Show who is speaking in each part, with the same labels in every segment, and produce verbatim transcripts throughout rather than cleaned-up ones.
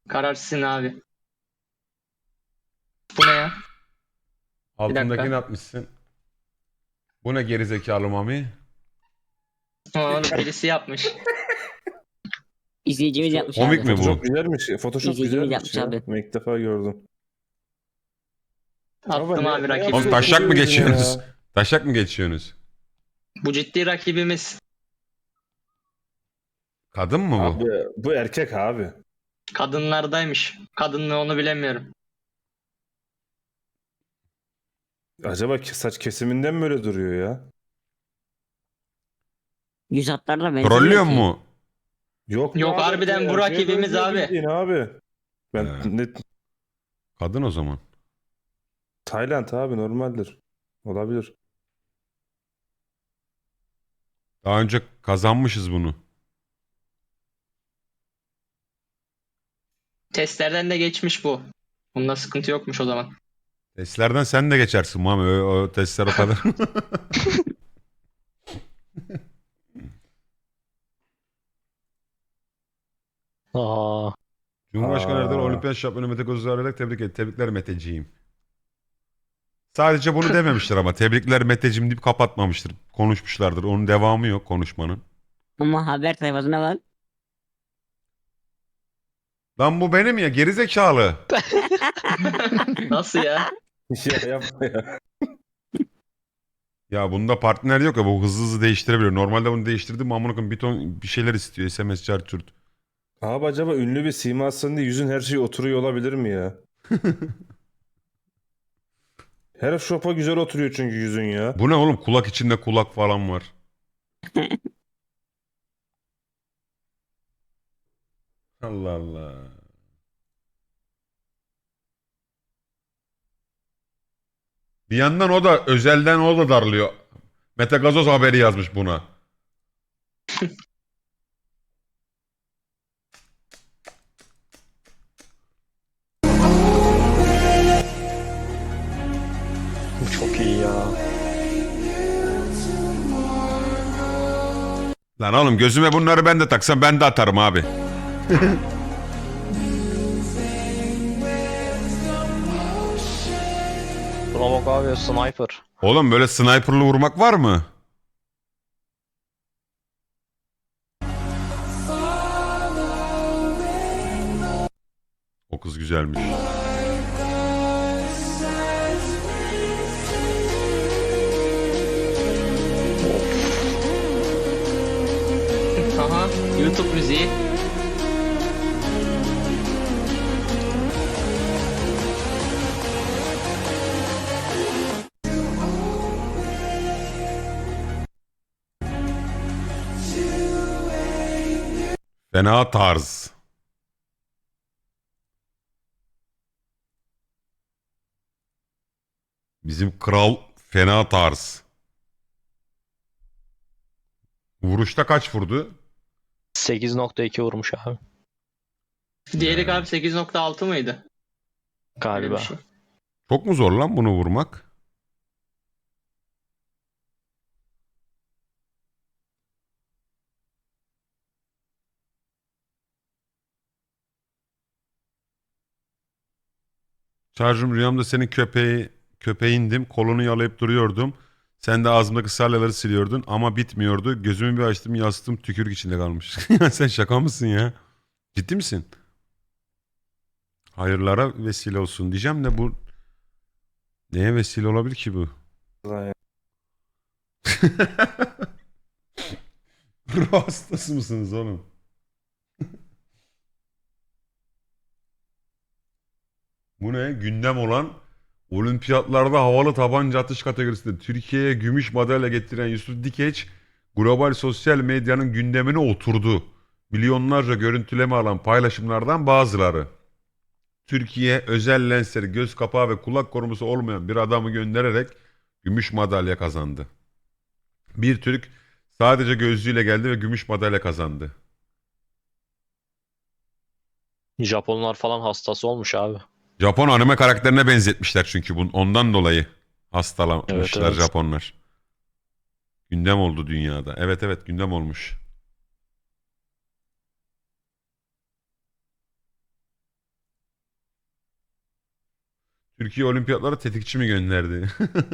Speaker 1: Karar sizin abi. Bu ne ya? Bir
Speaker 2: Altındakini
Speaker 1: dakika.
Speaker 2: atmışsın. Bu ne gerizekalı Mami?
Speaker 1: Ama onu birisi yapmış.
Speaker 3: İzleyicimiz
Speaker 4: Şu
Speaker 3: yapmış
Speaker 2: Komik
Speaker 3: abi.
Speaker 2: mi bu?
Speaker 4: Photoshop güzelmiş. Photoshop
Speaker 3: İzleyicimiz
Speaker 4: güzelmiş
Speaker 3: yapmış
Speaker 4: ya.
Speaker 3: abi.
Speaker 4: Ben ilk defa gördüm. Baba
Speaker 1: Attım
Speaker 4: ne,
Speaker 1: abi
Speaker 4: ne
Speaker 1: rakibi.
Speaker 2: Oğlum
Speaker 4: yapıyorsun?
Speaker 2: taşak mı
Speaker 4: Duruyor yüzüne
Speaker 2: geçiyorsunuz?
Speaker 4: ya.
Speaker 2: Taşak mı geçiyorsunuz?
Speaker 1: Bu ciddi rakibimiz.
Speaker 2: Kadın mı bu?
Speaker 4: Abi bu erkek abi.
Speaker 1: Kadınlardaymış. Kadınlığı onu bilemiyorum.
Speaker 4: Acaba ke- saç kesiminden mi öyle duruyor ya?
Speaker 3: Yüz hatlarına benzemiyor
Speaker 2: Trollüyor
Speaker 3: ki.
Speaker 2: mu?
Speaker 4: Yok be
Speaker 1: Yok,
Speaker 4: abi,
Speaker 1: harbiden bu
Speaker 4: erkeğe
Speaker 1: rakibimiz
Speaker 4: benziyor
Speaker 1: abi.
Speaker 4: bildiğin abi. Ben
Speaker 2: He.
Speaker 4: net
Speaker 2: Kadın o zaman.
Speaker 4: Tayland abi normaldir. Olabilir.
Speaker 2: Daha önce kazanmışız bunu.
Speaker 1: Testlerden de geçmiş bu. Bunda sıkıntı yokmuş o zaman.
Speaker 2: Testlerden sen de geçersin Mami. O, o testler o kadar.
Speaker 5: Aa,
Speaker 2: Cumhurbaşkanı Erdoğan
Speaker 4: Aa.
Speaker 2: Olimpiyat Şampiyonu Mete Kozuz arayarak tebrik et. Tebrikler Meteciğim. Sadece bunu dememiştir ama. Tebrikler Meteciğim deyip kapatmamıştır. Konuşmuşlardır. Onun devamı yok konuşmanın.
Speaker 3: Ama haber sayfasına bak.
Speaker 2: Lan bu benim ya gerizekalı.
Speaker 1: Nasıl ya?
Speaker 4: Ya yapma ya.
Speaker 2: Ya bunda partner yok ya, bu hızlı hızlı değiştirebiliyor. Normalde bunu değiştirdim amına koyayım bir ton bir şeyler istiyor. S M S çarçurt.
Speaker 4: Abi acaba ünlü bir simasın diye yüzün her şey oturuyor olabilir mi ya? Her şopa güzel oturuyor çünkü yüzün ya.
Speaker 2: Bu ne oğlum, kulak içinde kulak falan var. Allah Allah. Bir yandan o da özelden o da darlıyor. Mete Gazoz haberi yazmış buna.
Speaker 5: bu çok iyi ya.
Speaker 2: Lan oğlum gözüme bunları ben de taksam ben de atarım abi.
Speaker 5: Buna bak abi, sniper.
Speaker 2: Oğlum böyle sniperlı vurmak var mı? O kız güzelmiş.
Speaker 1: Aha. YouTube müziği.
Speaker 2: Fena tarz. Bizim kral fena tarz. Vuruşta kaç vurdu?
Speaker 5: sekiz nokta iki vurmuş abi
Speaker 1: Diğeri abi sekiz nokta altı mıydı? Öyle bir
Speaker 5: galiba.
Speaker 1: şey.
Speaker 2: Çok mu zor lan bunu vurmak? Şarjım rüyamda senin köpeği köpeğindim. Kolunu yalayıp duruyordum. Sen de ağzımdaki salyaları siliyordun ama bitmiyordu. Gözümü bir açtım, yastığım tükürük içinde kalmış. Sen şaka mısın ya? Ciddi misin? Hayırlara vesile olsun diyeceğim de bu neye vesile olabilir ki bu?
Speaker 4: Lan ya.
Speaker 2: Ruh hastası mısınız oğlum? Bu ne? Gündem olan olimpiyatlarda havalı tabanca atış kategorisinde Türkiye'ye gümüş madalya getiren Yusuf Dikeç global sosyal medyanın gündemine oturdu. Milyonlarca görüntüleme alan paylaşımlardan bazıları. Türkiye özel lensleri, göz kapağı ve kulak koruması olmayan bir adamı göndererek gümüş madalya kazandı. Bir Türk sadece gözlüğüyle geldi ve gümüş madalya kazandı.
Speaker 5: Japonlar falan hastası olmuş abi.
Speaker 2: Japon anime karakterine benzetmişler çünkü bun, ondan dolayı hastalanmışlar
Speaker 5: Evet, evet.
Speaker 2: Japonlar. Gündem oldu dünyada. Evet evet gündem olmuş. Türkiye olimpiyatlara tetikçi mi gönderdi?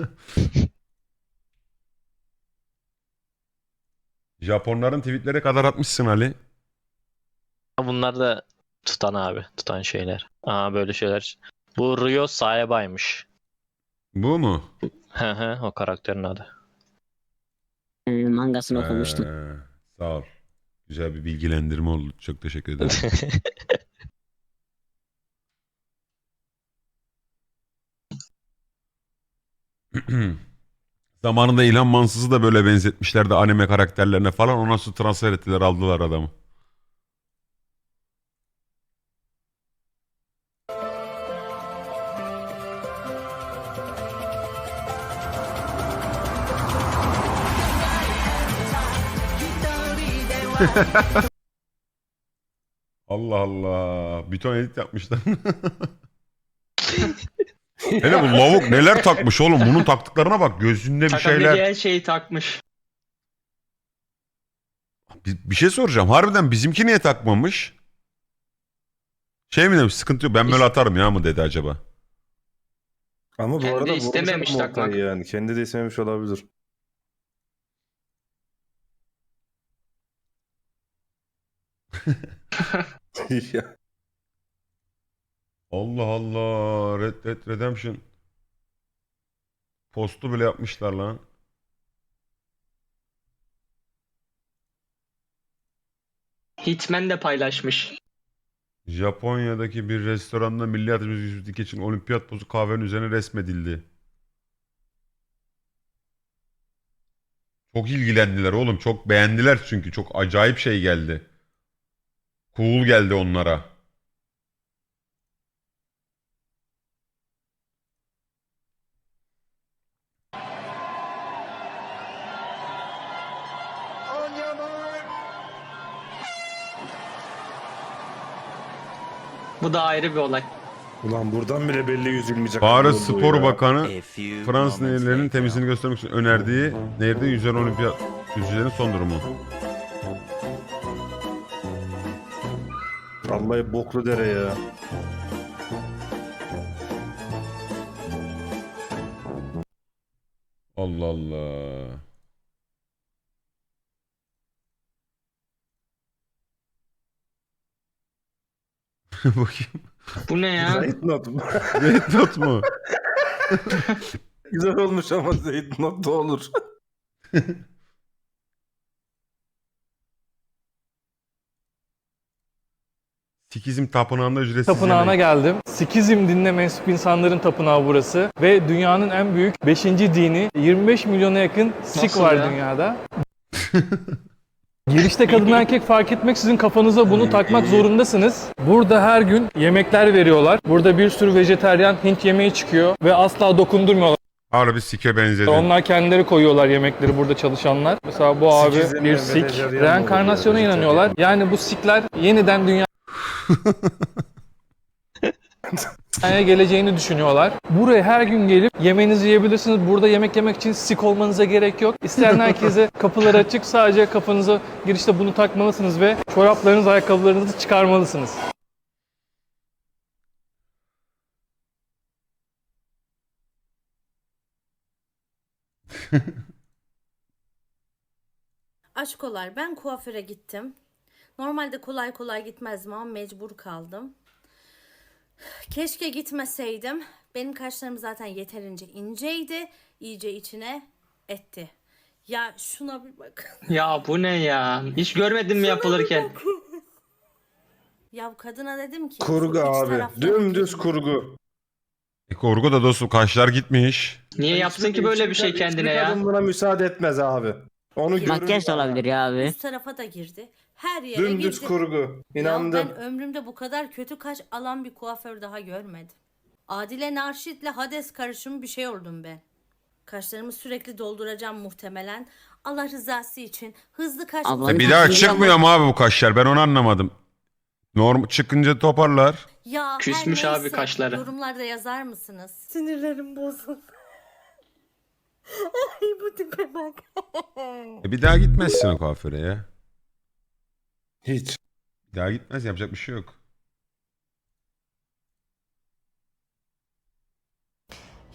Speaker 2: Japonların tweetleri kadar atmışsın Ali.
Speaker 5: Bunlar da tutan abi. Tutan şeyler. Aa böyle şeyler. Bu Ryo Saeba'ymış.
Speaker 2: Bu mu?
Speaker 5: Hı hı, o karakterin adı.
Speaker 3: Ee, mangasını okumuştum.
Speaker 2: Ee, sağ ol. Güzel bir bilgilendirme oldu. Çok teşekkür ederim. Zamanında İlhan Mansız'ı da böyle benzetmişlerdi anime karakterlerine falan. Ondan sonra transfer ettiler, aldılar adamı. Allah Allah. Bir ton edit yapmışlar. Hele bu lavuk neler takmış oğlum. Bunun taktıklarına bak. Gözünde bir
Speaker 1: Takabileceği
Speaker 2: şeyler.
Speaker 1: her şeyi takmış.
Speaker 2: Bir, bir şey soracağım. Harbiden bizimki niye takmamış? Şey mi demiş, sıkıntı yok ben böyle atarım ya mı dedi acaba?
Speaker 4: Ama bu
Speaker 1: Kendi
Speaker 4: arada vurmuş
Speaker 1: istememiş
Speaker 4: adam
Speaker 1: takmak.
Speaker 4: ortayı yani. Kendi de istememiş olabilir. Ya,
Speaker 2: Allah Allah. Red Dead Redemption. Postu bile yapmışlar lan.
Speaker 1: Hitman de paylaşmış.
Speaker 2: Japonya'daki bir restoranda milli atletimiz Yusuf Dikeç'in olimpiyat pozu kahvenin üzerine resmedildi. Çok ilgilendiler oğlum. Çok beğendiler çünkü. Çok acayip şey geldi. Cool geldi onlara.
Speaker 1: Bu da ayrı bir olay.
Speaker 4: ulan buradan bile belli yüzülmeyecek.
Speaker 2: Paris
Speaker 4: adam olduğu
Speaker 2: Spor
Speaker 4: ya.
Speaker 2: Bakanı
Speaker 6: A few
Speaker 2: Fransız
Speaker 6: moments
Speaker 2: nehirlerinin
Speaker 6: later.
Speaker 2: temizliğini göstermek için önerdiği nehirde yüzen olimpiyat yüzücülerin son durumu.
Speaker 4: Vallahi boklu dere ya.
Speaker 2: Allah Allah. Bakayım.
Speaker 1: Bu ne ya?
Speaker 4: Zeyt not.
Speaker 2: Red Dot mu?
Speaker 4: Güzel olmuş ama Zeyt not da olur.
Speaker 2: Sikizm tapınağında ücretsiz
Speaker 7: Tapınağına
Speaker 2: yemek.
Speaker 7: geldim. Sikizm dinine mensup insanların tapınağı burası. Ve dünyanın en büyük beşinci dini. yirmi beş milyona yakın Sik
Speaker 1: Nasıl
Speaker 7: var
Speaker 1: ya?
Speaker 7: dünyada. Girişte kadın erkek fark etmeksizin kafanıza bunu takmak zorundasınız. Burada her gün yemekler veriyorlar. Burada bir sürü vejetaryen Hint yemeği çıkıyor ve asla dokundurmuyorlar.
Speaker 2: Harbi sike benzedi.
Speaker 7: Onlar kendileri koyuyorlar yemekleri burada çalışanlar. Mesela bu abi
Speaker 4: Sikizm
Speaker 7: bir
Speaker 4: ve
Speaker 7: Sik.
Speaker 4: vejetaryen mi
Speaker 7: Reenkarnasyona
Speaker 4: oluyor,
Speaker 7: inanıyorlar. Yani bu Sikler yeniden dünya dünyaya geleceğini düşünüyorlar. Buraya her gün gelip yemeğinizi yiyebilirsiniz. Burada yemek yemek için Sik olmanıza gerek yok. İsteyen herkese kapılar açık. Sadece kafanıza girişte bunu takmalısınız ve çoraplarınızı, ayakkabılarınızı çıkarmalısınız.
Speaker 8: Aşkolar, ben kuaföre gittim. Normalde kolay kolay gitmezdim ama mecbur kaldım. Keşke gitmeseydim. Benim kaşlarım zaten yeterince inceydi. İyice içine etti. Ya şuna bir bak.
Speaker 1: Ya bu ne ya? Hiç görmedim mi yapılırken?
Speaker 8: Ya kadına dedim ki
Speaker 4: Kurgu
Speaker 8: şu iç
Speaker 4: abi.
Speaker 8: tarafları
Speaker 4: Dümdüz
Speaker 8: bir-
Speaker 4: kurgu.
Speaker 2: E korku da dostum kaşlar gitmiş.
Speaker 1: Niye yapsın ki böyle bir şey kendine
Speaker 4: Hiçbir
Speaker 1: ya?
Speaker 4: kadın buna müsaade etmez abi. Onu
Speaker 3: Makyaj
Speaker 4: görür
Speaker 3: da olabilir ya abi.
Speaker 8: Üst tarafa da girdi. Her yere
Speaker 4: Dümdüz
Speaker 8: girdi.
Speaker 4: kurgu.
Speaker 8: Ya
Speaker 4: İnandım.
Speaker 8: ben ömrümde bu kadar kötü kaş alan bir kuaför daha görmedim. Adile Narşit'le Hades karışımı bir şey oldum ben. Kaşlarımı sürekli dolduracağım muhtemelen. Allah rızası için hızlı kaş
Speaker 3: Abla-
Speaker 2: E
Speaker 8: uzatma-
Speaker 2: bir daha
Speaker 3: Biliyorum.
Speaker 2: çıkmıyor mu abi bu kaşlar? Ben onu anlamadım. Norm çıkınca toparlar.
Speaker 8: Ya her
Speaker 1: Küsmüş abi
Speaker 8: neyse,
Speaker 1: kaşları.
Speaker 8: yorumlarda yazar mısınız? Sinirlerim bozuldu. Ay bu tipe bak.
Speaker 2: E bir daha gitmezsin o kuaföre ya.
Speaker 4: Hiç.
Speaker 2: Bir daha gitmez, yapacak bir şey yok.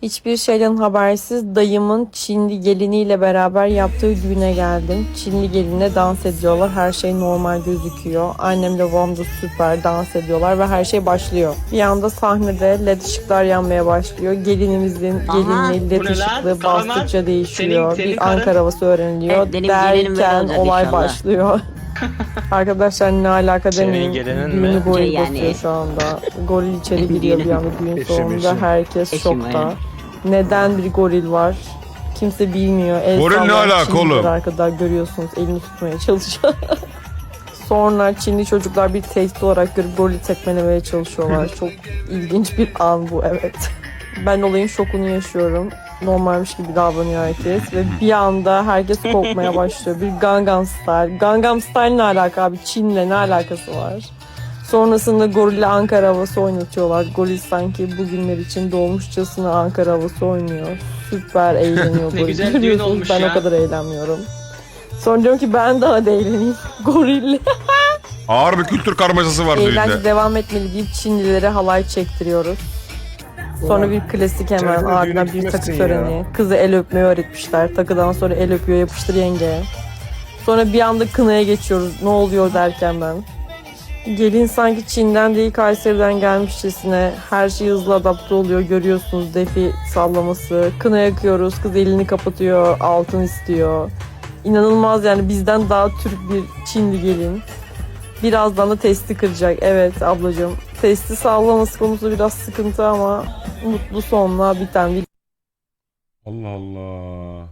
Speaker 6: Hiçbir şeyden habersiz dayımın Çinli geliniyle beraber yaptığı düğüne geldim. Çinli gelinle dans ediyorlar. Her şey normal gözüküyor. Annemle babam da süper dans ediyorlar ve her şey başlıyor. Bir anda sahnede led ışıklar yanmaya başlıyor. Gelinimizin
Speaker 3: Aha,
Speaker 6: gelinliği led
Speaker 1: bu ne lan?
Speaker 6: ışıklı
Speaker 1: Kahraman,
Speaker 6: bastıkça değişiyor.
Speaker 1: senin- senin
Speaker 6: bir
Speaker 1: karın-
Speaker 6: Ankara havası öğreniliyor.
Speaker 3: Evet, benim gelinim böyle
Speaker 6: Derken
Speaker 3: olacak
Speaker 6: olay
Speaker 3: inşallah.
Speaker 6: başlıyor. Arkadaşlar ne alaka
Speaker 5: Senin
Speaker 6: demeyin.
Speaker 5: gelinin
Speaker 6: Düğünü
Speaker 5: mi?
Speaker 6: goril
Speaker 3: Yani.
Speaker 6: basıyor şu anda. Goril içeri giriyor bir anda düğün
Speaker 4: Eşim,
Speaker 6: sonunda.
Speaker 4: eşim.
Speaker 6: Herkes
Speaker 3: Eşim,
Speaker 6: şokta.
Speaker 3: aynen.
Speaker 6: Neden bir goril var? Kimse bilmiyor. El
Speaker 2: Goril ne
Speaker 6: sallayan
Speaker 2: alaka
Speaker 6: Çinliler
Speaker 2: oğlum?
Speaker 6: arkada görüyorsunuz. Elini tutmaya çalışıyor. Sonra Çinli çocuklar bir tehdit olarak görüp gorili tekmelemeye çalışıyorlar. Çok ilginç bir an bu, evet. Ben olayın şokunu yaşıyorum. Normalmiş gibi davranıyor herkes ve bir anda herkes korkmaya başlıyor. Bir Gangnam Style. Gangnam Style ne alaka abi? Çin'le ne alakası var? Sonrasında gorille Ankara havası oynatıyorlar. Goril sanki bugünler için doğmuşçasına Ankara havası oynuyor. Süper eğleniyor
Speaker 1: Ne
Speaker 6: goril.
Speaker 1: güzel düğün
Speaker 6: Görüyorsunuz,
Speaker 1: olmuş
Speaker 6: ben
Speaker 1: ya.
Speaker 6: o kadar eğlenmiyorum. Sonra diyorum ki ben daha da eğleneyim. Gorille.
Speaker 2: Ağır bir kültür karmaşası var
Speaker 6: Eğlence
Speaker 2: düğünde.
Speaker 6: devam etmeli deyip Çinlilere halay çektiriyoruz. Sonra bir klasik hemen
Speaker 4: Sen de
Speaker 6: ardından
Speaker 4: düğüne
Speaker 6: bir takı
Speaker 4: gitmezsin
Speaker 6: töreni. Kızı el öpmeyi öğretmişler. Takıdan sonra el öpüyor, yapıştır yenge. Sonra bir anda kınaya geçiyoruz. Ne oluyor derken ben. Gelin sanki Çin'den değil Kayseri'den gelmişçesine her şey hızlı adapte oluyor. Görüyorsunuz defi sallaması. Kına yakıyoruz. Kız elini kapatıyor. Altın istiyor. İnanılmaz yani, bizden daha Türk bir Çinli gelin. Birazdan da testi kıracak. Evet ablacığım. Testi sallaması konusu biraz sıkıntı ama mutlu sonla biten bir
Speaker 2: Allah Allah.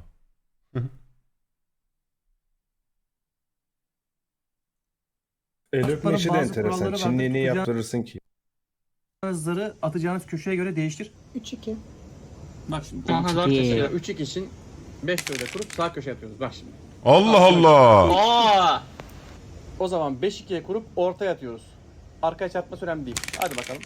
Speaker 4: El öpme işi de
Speaker 9: bazı
Speaker 4: enteresan.
Speaker 9: kuralları
Speaker 4: Çinliği
Speaker 9: vardır.
Speaker 4: niye
Speaker 9: Kucağınızı
Speaker 4: yaptırırsın ki?
Speaker 9: atacağınız köşeye göre değiştir.
Speaker 10: üç iki. Bak şimdi.
Speaker 1: Aha dört
Speaker 3: İyi.
Speaker 10: Mesela
Speaker 1: kişi.
Speaker 10: üç iki için beş böyle kurup sağ köşe atıyoruz. Bak şimdi.
Speaker 2: Allah Allah.
Speaker 1: Aa!
Speaker 10: O zaman beş ikiye kurup ortaya atıyoruz. Arkaya çarpması önemli değil. Hadi bakalım.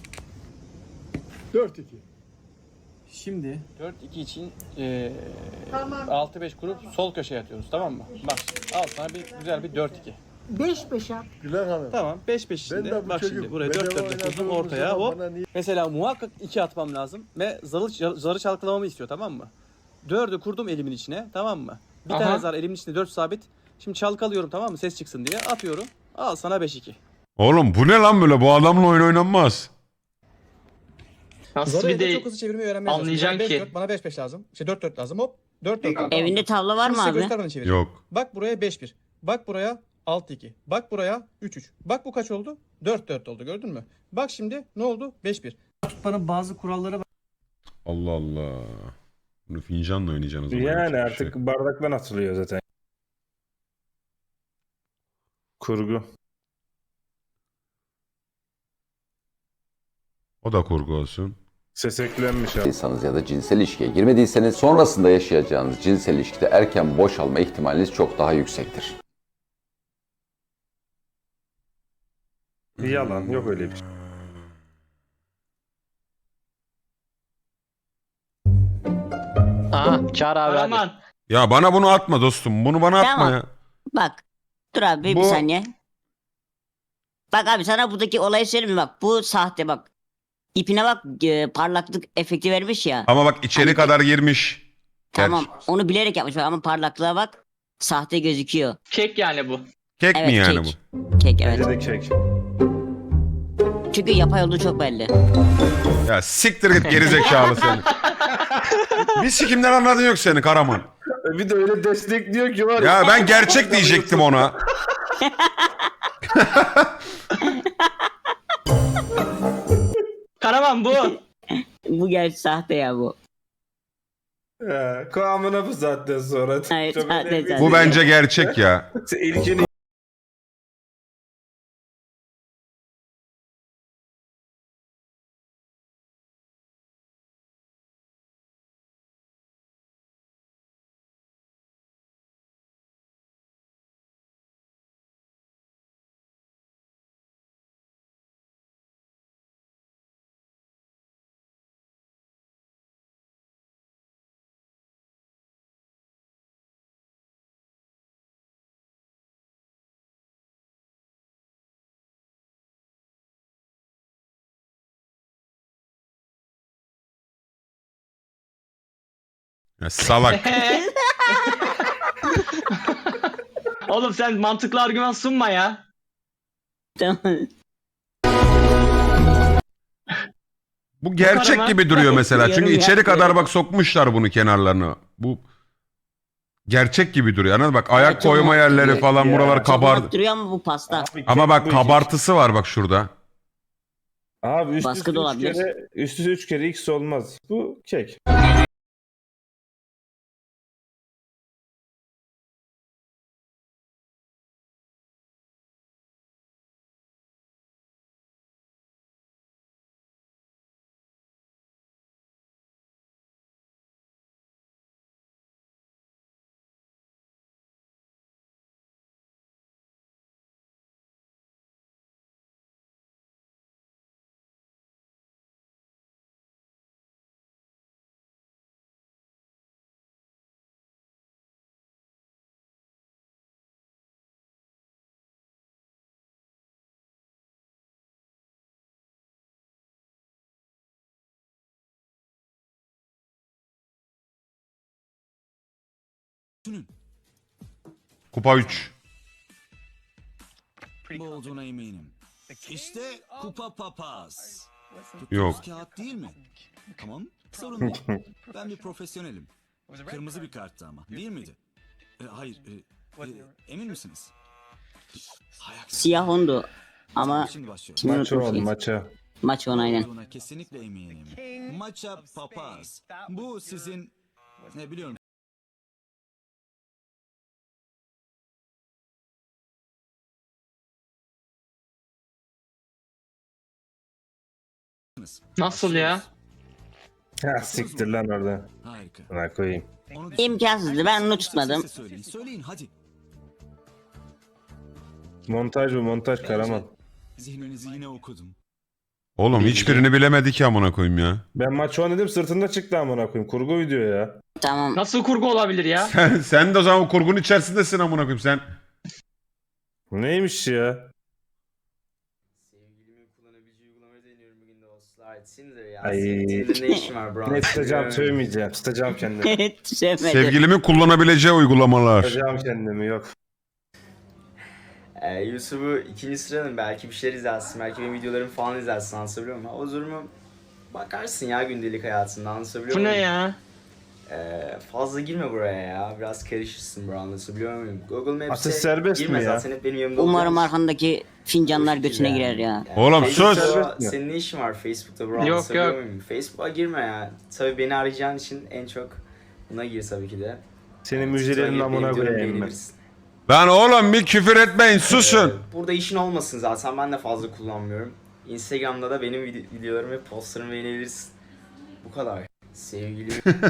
Speaker 10: dört iki. Şimdi dört iki için eee altı beş kurup sol köşeye atıyoruz, tamam mı? Bak şimdi, al sana bir güzel bir dört iki.
Speaker 9: beş beş at.
Speaker 10: Tamam, beş beş içinde. Bak şimdi buraya dört dört kurdum ortaya, hop. Mesela muhakkak iki atmam lazım ve zarı, zarı çalkalamamı istiyor, tamam mı? dördü kurdum elimin içine, tamam mı? Bir
Speaker 1: Aha.
Speaker 10: tane zar elimin içinde, dört sabit. Şimdi çalkalıyorum, tamam mı? Ses çıksın diye atıyorum. Al sana beş iki.
Speaker 2: Oğlum bu ne lan böyle? Bu adamla oyun oynanmaz.
Speaker 1: Nasıl bir de
Speaker 10: çok hızlı çevirmeyi öğrenmeye
Speaker 1: anlayacaksın
Speaker 10: beş
Speaker 1: ki.
Speaker 10: dört, bana beş beş lazım. İşte dört dört lazım, hop. dört dört. Tamam.
Speaker 3: Evinde tavla var mı
Speaker 10: Şimdi size
Speaker 3: abi?
Speaker 10: göstermeden çevireceğim.
Speaker 2: Yok.
Speaker 10: Bak buraya beş bir. Bak buraya altı iki. Bak buraya üç üç. Bak bu kaç oldu? dört dört oldu, gördün mü? Bak şimdi ne oldu? beş bir.
Speaker 9: Tutmanın bazı kuralları var.
Speaker 2: Allah Allah. Bunu fincanla oynayacaksınız. o zaman,
Speaker 4: Yani
Speaker 2: yapacak bir
Speaker 4: artık
Speaker 2: şey.
Speaker 4: bardaktan atılıyor zaten. Kurgu.
Speaker 2: O da kurgu olsun.
Speaker 4: Ses eklenmiş abi.
Speaker 11: İnsanız ya da cinsel ilişkiye girmediyseniz sonrasında yaşayacağınız cinsel ilişkide erken boşalma ihtimaliniz çok daha yüksektir.
Speaker 4: Yalan, yok öyle bir şey.
Speaker 5: Aha Çağrı abi hadi.
Speaker 1: Karaman.
Speaker 2: Ya bana bunu atma dostum. Bunu bana atma
Speaker 3: Tamam.
Speaker 2: ya.
Speaker 3: Bak. Dur abi bir
Speaker 2: Bu-
Speaker 3: saniye. Bak abi sana buradaki olayı söyleyeyim mi? Bak bu sahte bak. İpine bak e, parlaklık efekti vermiş ya.
Speaker 2: Ama bak içeri
Speaker 3: Hani-
Speaker 2: kadar girmiş.
Speaker 3: Tamam
Speaker 2: Gerçi.
Speaker 3: onu bilerek yapmış ama parlaklığa bak. Sahte gözüküyor.
Speaker 1: Kek yani bu.
Speaker 2: Kek
Speaker 3: Evet
Speaker 2: mi yani
Speaker 3: kek.
Speaker 2: bu?
Speaker 3: Kek evet.
Speaker 4: Bence de kek.
Speaker 3: Çünkü yapay olduğu çok belli.
Speaker 2: Ya siktir git gerizekalı seni. Bir sikimden anladın yok seni Karaman.
Speaker 4: Bir de öyle destekliyor ki var
Speaker 2: Ya ben gerçek diyecektim ona.
Speaker 1: Karaman bu.
Speaker 3: Bu gerçi sahte ya bu.
Speaker 4: Ya, kıvamına bu saatten sonra.
Speaker 3: Evet,
Speaker 4: Çok
Speaker 3: zaten-
Speaker 4: önemli
Speaker 3: zaten.
Speaker 2: Bu bence gerçek ya.
Speaker 4: değil. İlkini
Speaker 2: Ya salak.
Speaker 1: Oğlum sen mantıklı argüman sunma ya.
Speaker 3: Tamam.
Speaker 2: Bu gerçek
Speaker 1: Karama-
Speaker 2: gibi duruyor mesela.
Speaker 3: Yarım
Speaker 2: Çünkü
Speaker 3: yap,
Speaker 2: içeri kadar
Speaker 3: yarım.
Speaker 2: bak sokmuşlar bunu kenarlarını. Bu gerçek gibi duruyor. Anladın mı? Bak ayak
Speaker 3: Evet, çok
Speaker 2: koyma
Speaker 3: mantıklı.
Speaker 2: yerleri falan
Speaker 4: Ya,
Speaker 2: buralar
Speaker 4: çok
Speaker 2: kabardı.
Speaker 3: Duruyor ama bu pasta.
Speaker 4: Abi,
Speaker 2: Ama
Speaker 4: kek
Speaker 2: bak
Speaker 4: bu iki.
Speaker 2: kabartısı var bak şurada.
Speaker 4: Abi üst
Speaker 3: Baskı
Speaker 4: üste
Speaker 3: da
Speaker 4: üç
Speaker 3: olabilir.
Speaker 4: kere, üst üste üç kere X olmaz. Bu kek.
Speaker 2: Kupa üç.
Speaker 12: Bu olduğuna eminim. İşte kupa papaz.
Speaker 2: Yok.
Speaker 12: Kağıt değil mi? Tamam, sorun değil. Ben bir profesyonelim. Kırmızı bir karttı ama, değil miydi? E, hayır, e, e, emin misiniz? Hay aksi.
Speaker 3: Siyah ondu. Ama
Speaker 12: Şimdi başlıyor.
Speaker 3: şimdi
Speaker 4: Maça on
Speaker 3: unutmuşuz.
Speaker 4: maça.
Speaker 3: Maç on aynen.
Speaker 12: Olduğuna kesinlikle eminim. Maça papaz. Bu sizin, ne biliyorum.
Speaker 1: Nasıl ya?
Speaker 4: Ha siktir lan orada.
Speaker 12: Harika.
Speaker 4: Buna koyayım.
Speaker 12: Onu
Speaker 3: İmkansızdı. Ben onu tutmadım.
Speaker 12: Sesle Söyleyin, söyleyin hadi.
Speaker 4: Montaj bu montaj Karaman.
Speaker 12: Zihninizi yine okudum.
Speaker 2: Oğlum hiçbirini bilemedi ki amına koyayım ya.
Speaker 4: Ben maç on dedim sırtında çıktı amına koyayım. Kurgu video ya.
Speaker 3: Tamam.
Speaker 1: Nasıl kurgu olabilir ya?
Speaker 2: Sen, sen de o zaman o kurgunun içerisindesin amına koyayım sen.
Speaker 4: Neymiş ya?
Speaker 13: Sevgilimin kullanabileceği uygulamayı deniyorum bugün dostlar. Tinder ya.
Speaker 4: Ay.
Speaker 13: Tinder'da ne işin var bro?
Speaker 4: Ne tutacağım söylemeyeceğim. Tutacağım kendimi.
Speaker 3: Sevmedim.
Speaker 2: Sevgilimin kullanabileceği uygulamalar.
Speaker 4: Tutacağım kendimi yok.
Speaker 13: Ee, YouTube'u ikinci sıranın belki bir şeyler izlersin. Belki benim videolarımı falan izlersin, anlatabiliyor muyum? O durumu bakarsın ya gündelik hayatında, anlatabiliyor
Speaker 1: Bu
Speaker 13: muyum?
Speaker 1: ne ya?
Speaker 13: Ee, fazla girme buraya ya. Biraz karışırsın bro, anlatabiliyor muyum? Google Maps'e
Speaker 4: Atış serbest
Speaker 13: girme
Speaker 4: mi ya?
Speaker 13: zaten, hep benim yanımda
Speaker 3: Umarım
Speaker 13: olacaksın.
Speaker 3: arkandaki fincanlar
Speaker 13: Boş
Speaker 3: götüne
Speaker 13: değil
Speaker 3: girer
Speaker 13: yani.
Speaker 3: ya.
Speaker 13: Yani
Speaker 2: Oğlum
Speaker 13: Facebook'ta
Speaker 2: sus!
Speaker 4: Serbest mi?
Speaker 13: Senin ne işin var Facebook'ta bro?
Speaker 1: Yok,
Speaker 13: Anlatabiliyor
Speaker 1: yok.
Speaker 13: muyum? Facebook'a girme ya. Tabii beni arayacağın için en çok buna gir tabii ki de.
Speaker 4: Senin
Speaker 13: TikTok'a
Speaker 4: müjdelerin
Speaker 13: girip
Speaker 4: amına
Speaker 13: benim videolarımı
Speaker 4: koyayım ben.
Speaker 13: beğenebilirsin.
Speaker 2: Lan oğlum bir küfür etmeyin susun.
Speaker 13: Ee, burada işin olmasın zaten, ben de fazla kullanmıyorum. Instagram'da da benim vide- videolarımı ve postlarımı beğenebilirsin. Bu kadar. Sevgili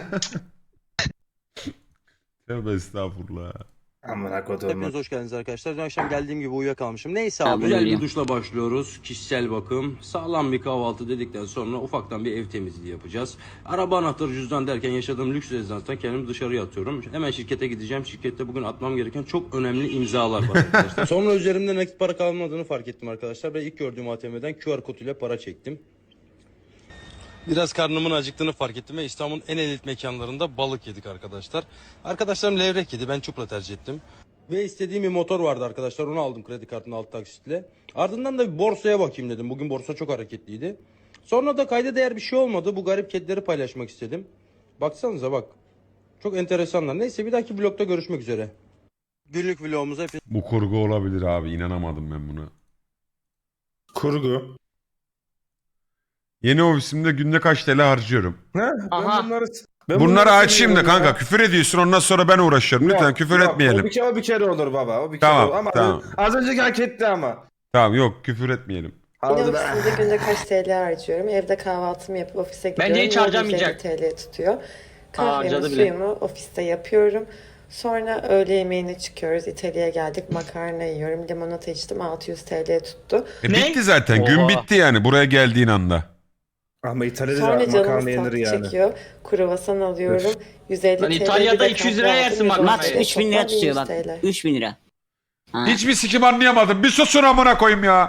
Speaker 2: Tövbe estağfurullah.
Speaker 4: Amına koduğum.
Speaker 10: Hepiniz hoş geldiniz arkadaşlar. Dün akşam geldiğim gibi uyuyakalmışım. Neyse
Speaker 3: Ya
Speaker 10: abi.
Speaker 3: güzel
Speaker 10: Güzel
Speaker 3: bir
Speaker 10: bir duşla başlıyoruz. Kişisel bakım. Sağlam bir kahvaltı dedikten sonra ufaktan bir ev temizliği yapacağız. Araba anahtarı, cüzdan derken yaşadığım lüks rezidanstan kendimi dışarıya atıyorum. Hemen şirkete gideceğim. Şirkette bugün atmam gereken çok önemli imzalar var arkadaşlar. Sonra üzerimde nakit para kalmadığını fark ettim arkadaşlar. Ve ilk gördüğüm A T M'den Q R kod ile para çektim. Biraz karnımın acıktığını fark ettim ve İstanbul'un en elit mekanlarında balık yedik arkadaşlar. Arkadaşlarım levrek yedi, ben çupra tercih ettim. Ve istediğim bir motor vardı arkadaşlar, onu aldım kredi kartının alt taksitle. Ardından da bir borsaya bakayım dedim, bugün borsa çok hareketliydi. Sonra da kayda değer bir şey olmadı, bu garip kedileri paylaşmak istedim. Baksanıza bak, çok enteresanlar. Neyse bir dahaki vlogda görüşmek üzere. Günlük vlogumuza hepiniz...
Speaker 2: Bu kurgu olabilir abi, inanamadım ben buna.
Speaker 4: Kurgu.
Speaker 2: Yeni ofisimde günde kaç T L harcıyorum?
Speaker 4: Ha?
Speaker 1: Aha.
Speaker 4: Ben bunları... Ben
Speaker 2: Bunları
Speaker 4: bunları
Speaker 2: açayım da
Speaker 4: seviyorum
Speaker 2: kanka,
Speaker 4: ya.
Speaker 2: küfür ediyorsun ondan sonra ben uğraşıyorum. Lütfen
Speaker 4: Yok,
Speaker 2: küfür
Speaker 4: yok,
Speaker 2: etmeyelim.
Speaker 4: O bir, kere, o bir kere olur baba. O bir
Speaker 2: Tamam,
Speaker 4: kere olur. Ama
Speaker 2: tamam.
Speaker 4: az önceki hak etti ama.
Speaker 2: Tamam yok küfür etmeyelim.
Speaker 6: Yine
Speaker 4: Aldı be.
Speaker 6: ofisimde günde kaç T L harcıyorum. Evde kahvaltımı yapıp ofise gidiyorum.
Speaker 1: Bence hiç
Speaker 6: Yine
Speaker 1: harcamayacak.
Speaker 6: yüz elli T L tutuyor. Kahvemi,
Speaker 1: harcadı bile.
Speaker 6: suyumu ofiste yapıyorum. Sonra öğle yemeğine çıkıyoruz. İtalya'ya geldik. Makarna yiyorum. Limonata içtim. altı yüz T L tuttu.
Speaker 2: E,
Speaker 1: Ne?
Speaker 2: bitti zaten, gün
Speaker 5: Oha.
Speaker 2: bitti yani buraya geldiğin anda.
Speaker 4: Ama İtalya'da
Speaker 6: Sonra
Speaker 4: da
Speaker 6: canımız
Speaker 4: makarna yenir
Speaker 6: tatlı
Speaker 4: yani.
Speaker 6: çekiyor. Kruvasan alıyorum. yüz elli
Speaker 1: Lan
Speaker 6: T L.
Speaker 1: İtalya'da
Speaker 6: bir de
Speaker 1: iki yüz
Speaker 6: kahve
Speaker 1: liraya
Speaker 6: aldım.
Speaker 1: yersin
Speaker 6: yüz on
Speaker 1: makarnayı.
Speaker 3: Max
Speaker 6: T L.
Speaker 3: üç bin lira
Speaker 6: Toplam
Speaker 3: tutuyor bak.
Speaker 6: yüz T L.
Speaker 3: üç bin lira. Ha.
Speaker 2: Hiçbir sikim anlayamadım. Bir susun amına koyayım ya.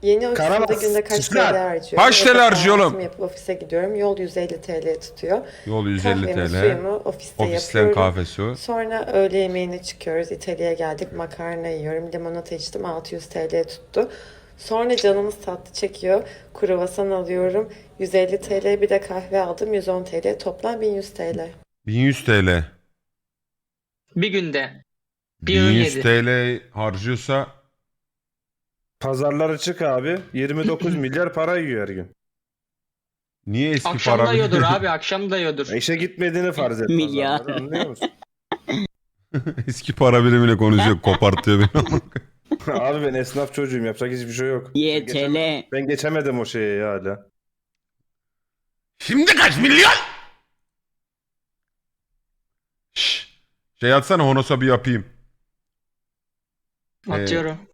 Speaker 6: Yeni ofisimde
Speaker 4: Karamaz,
Speaker 6: günde kaç
Speaker 4: süsler.
Speaker 6: T L harcıyorum?
Speaker 2: Kaç T L
Speaker 6: Yatak
Speaker 2: harcıyor oğlum?
Speaker 6: kahvaltımı yapıp ofise gidiyorum. Yol yüz elli T L tutuyor.
Speaker 2: Yol yüz elli
Speaker 6: Kahvemi,
Speaker 2: T L.
Speaker 6: suyumu ofiste
Speaker 2: Ofisten
Speaker 6: yapıyorum.
Speaker 2: kahve su.
Speaker 6: Sonra öğle yemeğine çıkıyoruz. İtalya'ya geldik. Makarna yiyorum. Limonata içtim. altı yüz T L tuttu. Sonra canımız tatlı çekiyor. Kruvasan alıyorum. yüz elli T L, bir de kahve aldım. yüz on T L. Toplam bin yüz T L.
Speaker 2: bin yüz T L.
Speaker 1: Bir günde. Bir öğün
Speaker 2: bin yüz
Speaker 1: yedi.
Speaker 2: T L harcıyorsa
Speaker 4: Pazarlara çık abi. yirmi dokuz milyar para yiyor her gün.
Speaker 2: niye eski
Speaker 1: Akşam
Speaker 2: para
Speaker 1: da yiyordur abi. Akşam da yiyordur.
Speaker 4: İşe gitmediğini farz et.
Speaker 3: Milyar.
Speaker 4: pazarlara, anlıyor musun?
Speaker 2: eski para birimine konuşuyor, kopartıyor beni.
Speaker 4: Abi ben esnaf çocuğum. Yapacak hiçbir şey yok.
Speaker 3: Y T L.
Speaker 4: Ben geçemedim o şeye ya hala.
Speaker 2: Şimdi kaç milyon? Şş, şey atsana Honos'a bir yapayım.
Speaker 1: Atıyorum.